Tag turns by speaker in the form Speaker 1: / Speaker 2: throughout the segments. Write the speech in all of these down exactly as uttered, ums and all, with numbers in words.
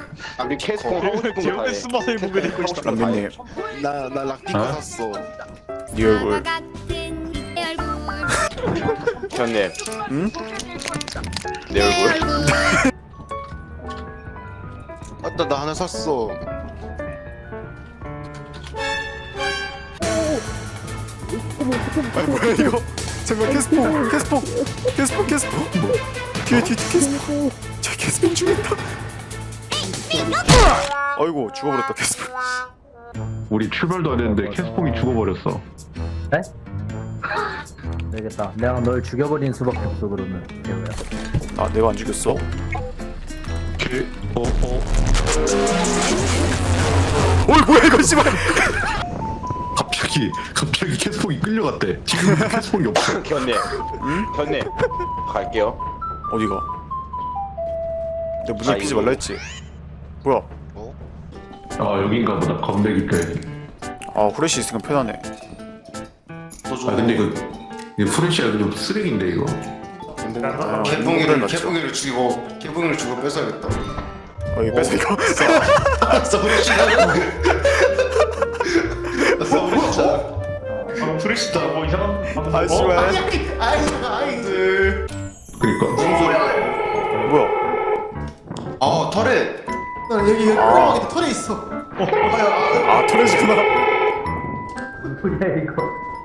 Speaker 1: 우리 캐스코 하고 싶은 거
Speaker 2: 제우스
Speaker 1: 다해.
Speaker 2: 스마트를 보게 되고 있다.
Speaker 3: 람비님
Speaker 4: 나나 락디커
Speaker 5: 어?
Speaker 4: 샀어.
Speaker 3: 네 얼굴
Speaker 1: 현님.
Speaker 3: 응?
Speaker 1: 내 얼굴.
Speaker 4: 아따 나 하나 샀어.
Speaker 3: 아니 뭐야 이거 잠깐 캐스포 캐스포 캐스포 캐스포 뭐 뒤에 뒤에 캐스포 저 캐스포 죽었다 아이고 죽어버렸다 캐스포
Speaker 5: 우리 출발도 안 했는데 캐스퐁이 죽어버렸어.
Speaker 6: 네? 되겠다. 내가 널 죽여버린 수밖에 없어 그러면. 재호야.
Speaker 3: 아 내가 안 죽였어?
Speaker 5: 개, 어, 어.
Speaker 3: 어이 뭐야 이거 씨발
Speaker 5: 갑자기, 갑자기 캐스퐁이 끌려갔대. 지금 캐스퐁이 없어.
Speaker 1: 현님. 응? 현님. 갈게요.
Speaker 3: 어디가? 내가 문제
Speaker 1: 아,
Speaker 3: 피지
Speaker 1: 이거.
Speaker 3: 말라 했지 뭐야
Speaker 5: 아, 여긴가 보다. 건배기 때.
Speaker 3: 아 후레쉬 있으니까 편하네
Speaker 5: 아, 근데 이거, 이거 프레시가 좀 쓰레기인데, 이거.
Speaker 3: 아,
Speaker 4: 개봉이를
Speaker 3: 맞죠.
Speaker 4: 개봉이를 죽이고 개봉이를 죽이고 뺏어야겠다.
Speaker 3: 어 이거 뺏어 이거
Speaker 4: 서브리 시작. 서브리 시작.
Speaker 2: 프레시다 뭐 이상한.
Speaker 3: 아 씨발
Speaker 4: 아이 아이들.
Speaker 5: 그니까.
Speaker 3: 뭐야
Speaker 4: 아 털에. 나 여기 여기 아. 털에 있어.
Speaker 3: 아 터렛이구나
Speaker 6: 뭐야 이거?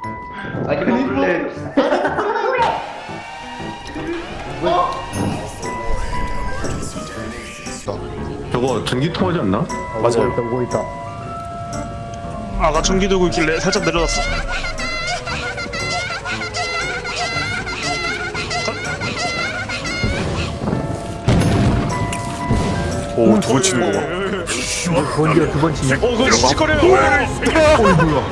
Speaker 5: 저거 전기통 하지 않나?
Speaker 6: 어,
Speaker 3: 맞아요.
Speaker 6: 오고 있다 오고 있다.
Speaker 2: 아가 전기 들고 있길래 살짝 내려놨어.
Speaker 3: 오 두 번 치는 거봐
Speaker 6: 번디어 두번 치냐?
Speaker 2: 어 그거 씩씩거려요.
Speaker 5: 어이, 뭐야.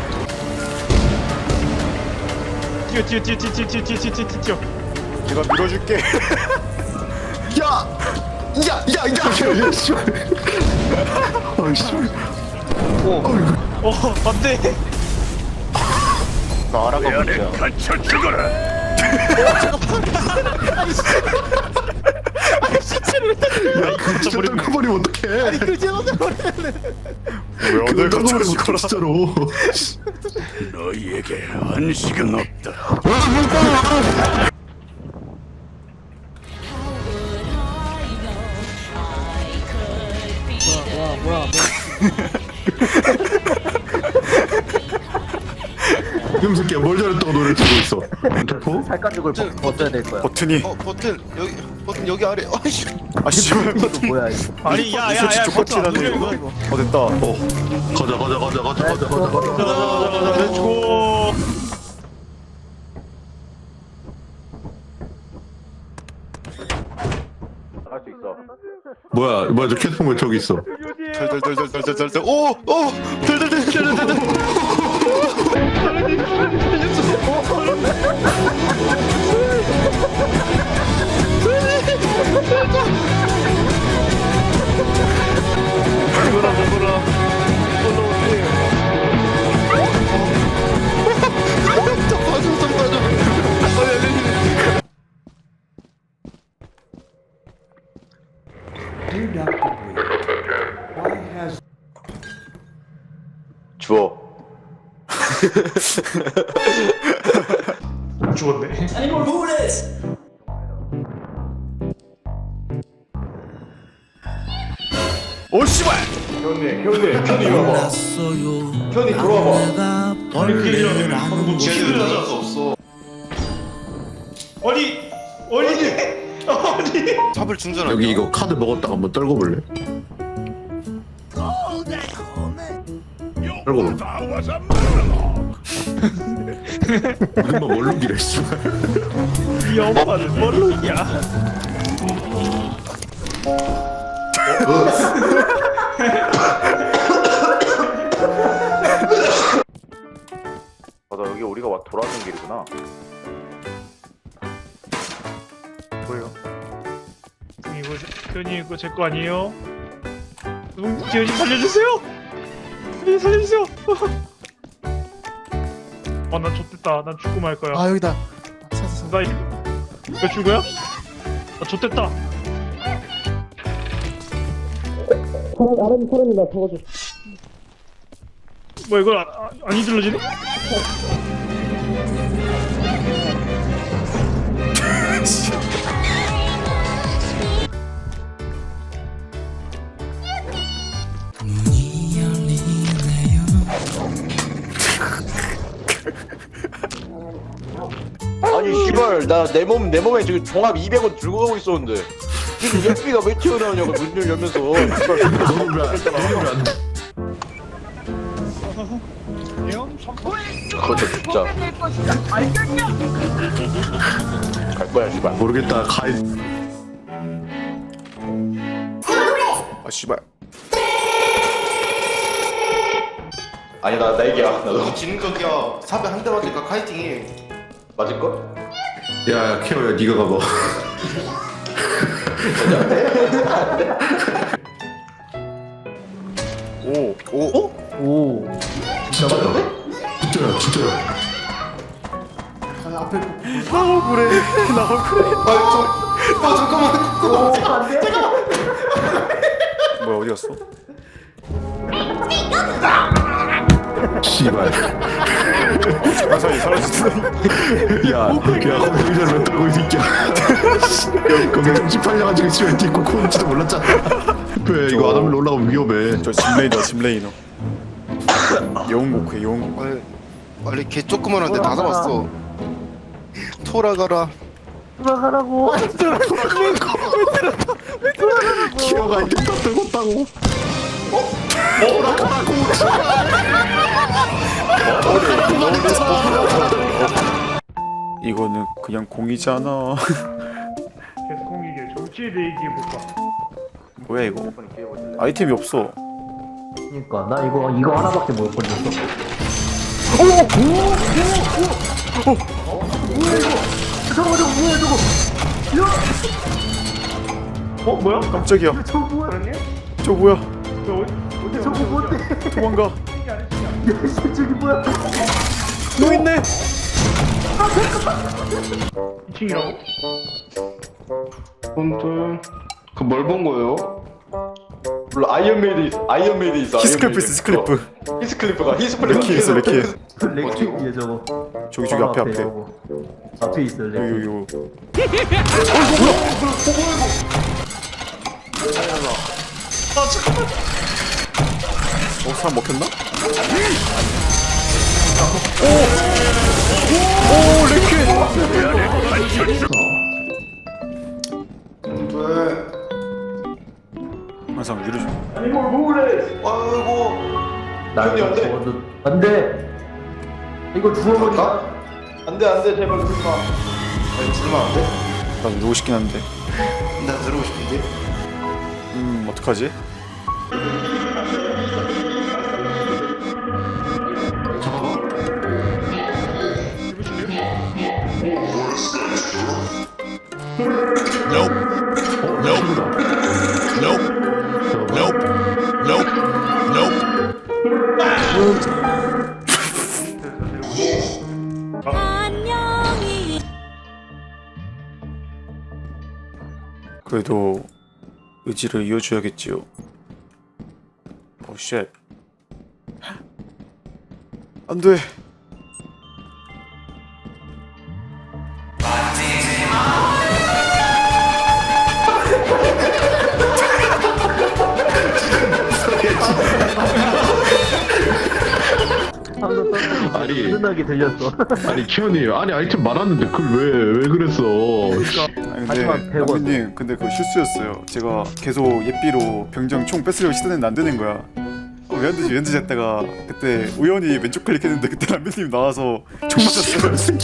Speaker 2: 뛰어 뛰어 뛰어 뛰어 뛰어 뛰어 뛰어 뛰어 뛰어.
Speaker 3: 내가 밀어줄게
Speaker 5: 야! 야! 야! 야! 야! 씨발. 어이, 씨발.
Speaker 2: 어 안돼.
Speaker 1: 나 알아가 보자.
Speaker 5: 야, 그거 진짜 떨궈버리면 어떡해. 아니, 그
Speaker 3: 왜 오늘 갑자기 죽어라
Speaker 5: 진짜로.
Speaker 7: 너희에게 안식은 없다.
Speaker 5: 이놈 새끼야, 뭘 잘했다고 노래를 치고 있어. 어?
Speaker 6: 살가죽을 벗- 벗어야 될 거야.
Speaker 3: 버튼이
Speaker 4: 어 버튼 여기 버튼 여기 아래. 아이씨.
Speaker 3: 아 씨발
Speaker 6: 이거 뭐야 이거?
Speaker 2: 아니 야야야
Speaker 3: 솔직히
Speaker 2: 버튼 안
Speaker 3: 버튼이
Speaker 2: 눌려
Speaker 3: 하네
Speaker 2: 이거.
Speaker 3: 어 됐다
Speaker 5: 어. 가자, 가자, 가자, 가자, 가자, 가자, 가자.
Speaker 2: 가자 가자 가자 가자 렛츠고.
Speaker 5: 뭐야, 뭐야, 저 캐스폰 왜 저기 있어?
Speaker 4: 덜덜덜덜덜덜덜. 오! 오! 덜덜덜덜덜덜.
Speaker 2: 먹어라 먹어라.
Speaker 4: 좀 봐줘 좀 봐줘. 어 열리네.
Speaker 1: 주워.
Speaker 2: 죽었네.
Speaker 3: 오 씨발
Speaker 1: 현님. 현님. 현님 이거 봐. 현님 들어와봐.
Speaker 2: 아니 게임이라면 방금 뭐
Speaker 4: 쟤는
Speaker 2: 치는
Speaker 4: 나갈 수 없어.
Speaker 2: 아니 아니 아니.
Speaker 4: 삽을 충전하냐?
Speaker 5: 여기 이거 카드 먹었다가 한번 떨궈볼래? 떨궈볼래? 금방 멀룩이래, 씨발.
Speaker 2: 이 엄마는 뭘로냐?
Speaker 1: 맞아 여기 우리가 와 돌아오는 길이구나.
Speaker 3: 뭐예요?
Speaker 2: 이거 현이 이거 제 거 아니에요? 현이 살려주세요. 현이 살려주세요. 아난 좆됐다. 난 죽고 말 거야.
Speaker 4: 아 여기다.
Speaker 2: 나 이거 왜 죽어요? 나 좆됐다. 뭐 이걸 안, 안- 안 잊을러지네?
Speaker 1: 아니 씨발 나 내 몸 내 몸에 지금 종합 이백 원 들고 가고 있었는데 지금 예삐가 왜 튀어나오냐고 문을 열면서 씨발
Speaker 5: 너는 왜안
Speaker 1: 그거 진짜 갈 거야 씨발.
Speaker 5: 모르겠다. 가이.
Speaker 3: 아 씨발.
Speaker 1: 아니 나 나 얘기야 나도
Speaker 4: 지는 거기야. 사배 한 대 맞으니까 카이팅이.
Speaker 1: 맞을 걸?
Speaker 5: 야, 케어야, 네가 가봐.
Speaker 3: 오. 오.
Speaker 6: 오.
Speaker 5: 진짜야? 진짜야, 진짜야.
Speaker 3: 나 억울해. 나 억울해.
Speaker 4: 아, 저, 아, 잠깐만. 잠깐만.
Speaker 3: 뭐야 어디 갔어?
Speaker 5: 씨발.
Speaker 3: 가사이 사라지더니.
Speaker 5: 야, 야, 거기 잘 렸다고 이 새끼야. 거기 정신 팔려가지고 집에 뒤고 코는지도 몰랐잖아. 왜 이거 안 하면 올라가면 위험해.
Speaker 3: 저 짐레이너 짐레이너. 영웅고크 영웅고크.
Speaker 4: 빨리, 빨리 개 조그만한데 다 잡았어. 돌아가라.
Speaker 6: 돌아가라고.
Speaker 5: 키어가 이제 다 들었다고.
Speaker 3: 이거는 그냥 공이잖아.
Speaker 2: 계속 공기계 정치에 대해 얘기해볼까?
Speaker 3: 뭐야 이거? 아이템이 없어.
Speaker 6: 그니까 나 이거 이거 하나밖에 못 건졌어.
Speaker 2: 어 뭐야?
Speaker 3: 깜짝이야.
Speaker 6: 저거 뭐야?
Speaker 3: 저 뭐야?
Speaker 2: 저 어디 어디
Speaker 6: 저거 뭔데?
Speaker 3: 도망가.
Speaker 6: 저기 뭐야?
Speaker 3: 또 있네.
Speaker 2: 이 층이라고?
Speaker 1: 뚠뚠 그뭘 본 거예요? 몰라 아이언메이드 있어 아이언메이드 있어
Speaker 3: 히스클리프 있어 히스클리프.
Speaker 1: 히스클리프가 히스클리프
Speaker 3: 레키 있어 레키.
Speaker 6: 렉키 위에 저거.
Speaker 3: 저기 저기 앞에 앞에.
Speaker 6: 저거. 앞에 있어
Speaker 3: 여기
Speaker 6: 렉키.
Speaker 3: 여기 여기. 어 사람 먹혔나? 오오 레키.
Speaker 4: 왜?
Speaker 3: 항상 위로 좀.
Speaker 1: 아이고
Speaker 6: 나
Speaker 1: 형님, 안 돼.
Speaker 6: 죽어도 안돼. 이거 죽어버리자.
Speaker 1: 안돼 안돼 제발 그러지 마
Speaker 4: 아니, 들으면 안 돼?
Speaker 3: 나 누르고 싶긴 한데.
Speaker 4: 나 들어오고 싶은데.
Speaker 3: 음 어떡하지? 그래도 의지를 이어줘야겠지요. 오 쉣. 안돼.
Speaker 5: 아니.
Speaker 6: 은은하게 들렸어.
Speaker 5: 아니, 키어님. 아니, 아이템 많았는데 그걸 왜, 왜 그랬어.
Speaker 3: 아니
Speaker 6: 하지만
Speaker 3: 근데
Speaker 6: 백 원.
Speaker 3: 남준님 근데 그거 실수였어요. 제가 계속 예삐로 병정 총 뺏으려고 시도했는데 안 되는 거야. 어, 왜 안 되지 왜 안 되지 했다가 그때 우연히 왼쪽 클릭했는데 그때 남준님 나와서 총 맞았어요.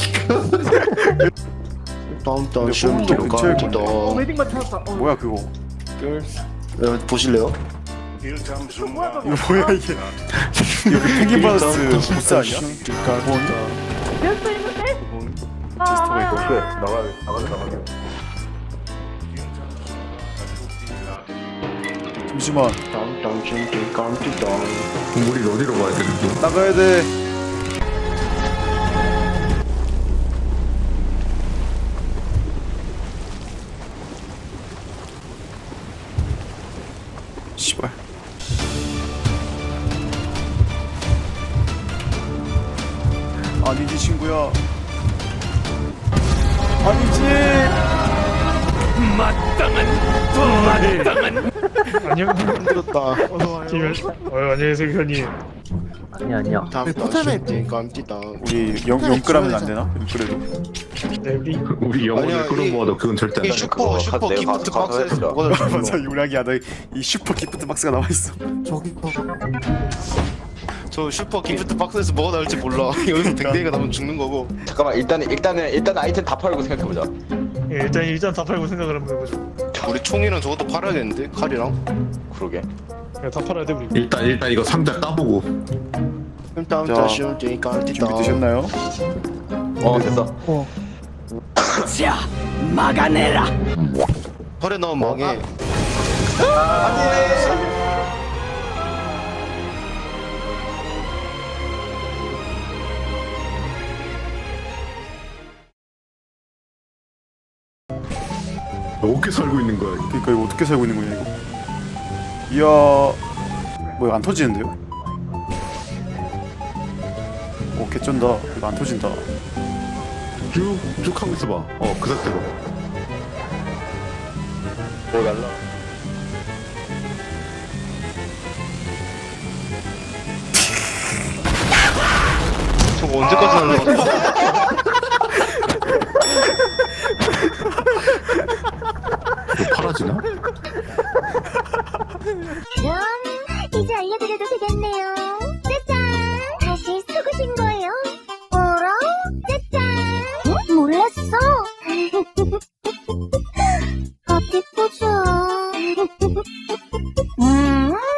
Speaker 4: 다음단
Speaker 3: 근데
Speaker 4: 시험
Speaker 3: 홈도 근처에
Speaker 4: 기록합니다.
Speaker 6: 웨딩만 찾았다. 어.
Speaker 3: 뭐야 그거?
Speaker 4: 네, 보실래요?
Speaker 3: 이거 뭐야 이게? 이거 그 펭귄 바스트 보스 아니야? 본 제스터가 이거. 잠시만
Speaker 4: 다음단 시험 기록합니다.
Speaker 5: 우리 어디로 가야 되는데?
Speaker 3: 나가야 돼. 씨발 아니지 친구야. 아니지.
Speaker 2: 안녕.
Speaker 7: 힘들었다.
Speaker 2: 김현. 어 안녕하세요 현님.
Speaker 6: 아니 아니야.
Speaker 7: 다음에 포탈에 있으니까 안 뛰다.
Speaker 3: 우리 영 영끌하면 안 되나? 영끌해도.
Speaker 2: 네 우리
Speaker 5: 우리 영혼을
Speaker 7: 아니야, 이-
Speaker 5: 끌어모아도 그건 절대 안
Speaker 7: 이
Speaker 5: 돼.
Speaker 7: 슈퍼
Speaker 1: 그거
Speaker 7: 슈퍼
Speaker 1: 내가
Speaker 7: 기프트
Speaker 1: 가서
Speaker 7: 박스에서
Speaker 1: 해주라.
Speaker 7: 뭐가 될지
Speaker 3: 맞아
Speaker 7: 몰라.
Speaker 3: 유락이야. 너 이 슈퍼 기프트 박스가 나와 있어.
Speaker 4: 저기 거.
Speaker 7: 저 슈퍼 기프트 박스에서 뭐가 나올지 몰라. 여기서 댕댕이가 나면 죽는 거고.
Speaker 1: 잠깐만 일단은 일단은 일단 아이템 다 팔고 생각해보자.
Speaker 2: 예, 일단 일단 다 팔고 생각을 한번 해보죠.
Speaker 7: 우리 총이랑 저것도 팔아야겠는데 칼이랑.
Speaker 1: 그러게.
Speaker 2: 야, 다 팔아야 돼 우리.
Speaker 5: 일단 일단 이거 상자 까보고.
Speaker 7: 일단
Speaker 3: 자,
Speaker 7: 다시 뛰니까 안 뛰다.
Speaker 3: 준비되셨나요?
Speaker 1: 어 됐어.
Speaker 7: 털에 넣으면 망해.
Speaker 5: 어떻게 살고 있는 거야?
Speaker 3: 그러니까 이거 어떻게 살고 있는 거냐 이거. 이야. 뭐야 안 터지는데요? 오 개쩐다. 이거 안 터진다.
Speaker 5: 쭉쭉 하고 있어봐. 어 그 상태로.
Speaker 1: 뭘 갈라?
Speaker 7: 저거 언제까지 날라가?
Speaker 5: 이거 팔아지나?
Speaker 8: 그럼 이제 알려드려도 되겠네요. 짜잔! 다시 속으신 거예요? 어라? 짜잔! 어? 몰랐어? 어디 보자. 음?